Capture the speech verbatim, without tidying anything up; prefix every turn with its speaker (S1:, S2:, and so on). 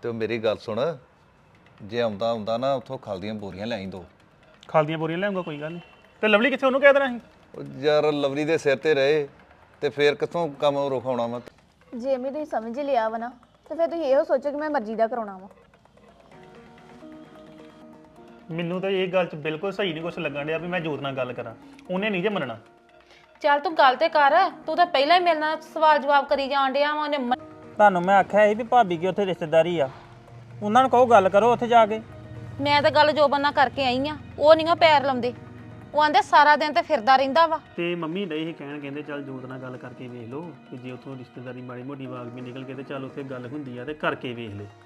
S1: ਤੇ ਮੇਰੀ ਗੱਲ ਸੁਣ, ਜੇ ਆਉਂਦਾ ਆਉਂਦਾ ਨਾ ਉੱਥੋਂ ਖਲ ਦੀਆਂ ਬੋਰੀਆਂ ਲੈ ਆਈ ਦੋ।
S2: ਖਲ ਦੀਆਂ ਬੋਰੀਆਂ ਲਿਆਉਂਗਾ, ਕੋਈ ਗੱਲ ਨਹੀਂ। ਤੇ ਲਵਲੀ ਕਿੱਥੇ, ਉਹਨੂੰ ਕਹਿ ਦੇਣਾ ਸੀ।
S1: ਉਹ ਯਾਰ ਲਵਲੀ ਦੇ ਸਿਰ ਤੇ ਰਹੇ ਤੇ ਫੇਰ ਕਿੱਥੋਂ ਕੰਮ ਰੁਕਾਉਣਾ ਵਾ।
S3: ਜੇ ਮੈਂ ਤੁਸੀਂ ਸਮਝ ਲਿਆ ਵਾ ਨਾ ਤੇ ਫਿਰ ਤੁਸੀਂ ਇਹੋ ਸੋਚੋ ਕਿ ਮੈਂ ਮਰਜ਼ੀ ਦਾ ਕਰਾਉਣਾ ਵਾ।
S2: ਮੈਨੂੰ ਤਾਂ ਇਹ ਗੱਲ 'ਚ ਬਿਲਕੁਲ ਸਹੀ ਨਹੀਂ ਕੁਛ ਲੱਗਣ ਡਿਆ ਵੀ ਮੈਂ ਜੋਤ ਨਾਲ ਗੱਲ ਕਰਾਂ। ਉਹਨੇ ਨਹੀਂ ਜੇ ਮੰਨਣਾ।
S4: ਚੱਲ ਤੂੰ ਗੱਲ ਤੇ ਕਰ, ਤੂੰ ਤਾਂ ਪਹਿਲਾਂ ਹੀ ਮੇਰੇ ਨਾਲ ਸਵਾਲ ਜਵਾਬ ਕਰੀ ਜਾਣ ਡਿਆ ਵਾ। ਉਹਨੇ ਮ-
S5: ਤੁਹਾਨੂੰ ਮੈਂ ਆਖਿਆ ਸੀ ਵੀ ਭਾਬੀ ਕੀ ਉੱਥੇ ਰਿਸ਼ਤੇਦਾਰੀ ਆ, ਉਹਨਾਂ ਨੂੰ ਕਹੋ ਗੱਲ ਕਰੋ ਉੱਥੇ ਜਾ ਕੇ।
S4: ਮੈਂ ਤਾਂ ਗੱਲ ਜੋਬਨ ਨਾਲ ਕਰਕੇ ਆਈ ਆ, ਉਹ ਨਹੀਂ ਪੈਰ ਲਾਉਂਦੇ। ਉਹ ਆਂਦੇ ਸਾਰਾ ਦਿਨ ਤੇ ਫਿਰਦਾ ਰਹਿੰਦਾ ਵਾ।
S2: ਤੇ ਮੰਮੀ ਨਹੀਂ ਇਹ ਕਹਿਣ, ਕਹਿੰਦੇ ਚੱਲ ਜੋਤ ਨਾਲ ਗੱਲ ਕਰਕੇ ਵੇਖ ਲਓ ਕਿ ਜੇ ਉੱਥੋਂ ਰਿਸ਼ਤੇਦਾਰੀ ਮਾੜੀ ਮੋਟੀ ਵਾਗ ਵੀ ਨਿਕਲ ਕੇ ਤੇ ਚੱਲ ਉੱਥੇ ਗੱਲ ਹੁੰਦੀ ਆ ਤੇ ਕਰਕੇ ਵੇਖ ਲੈ।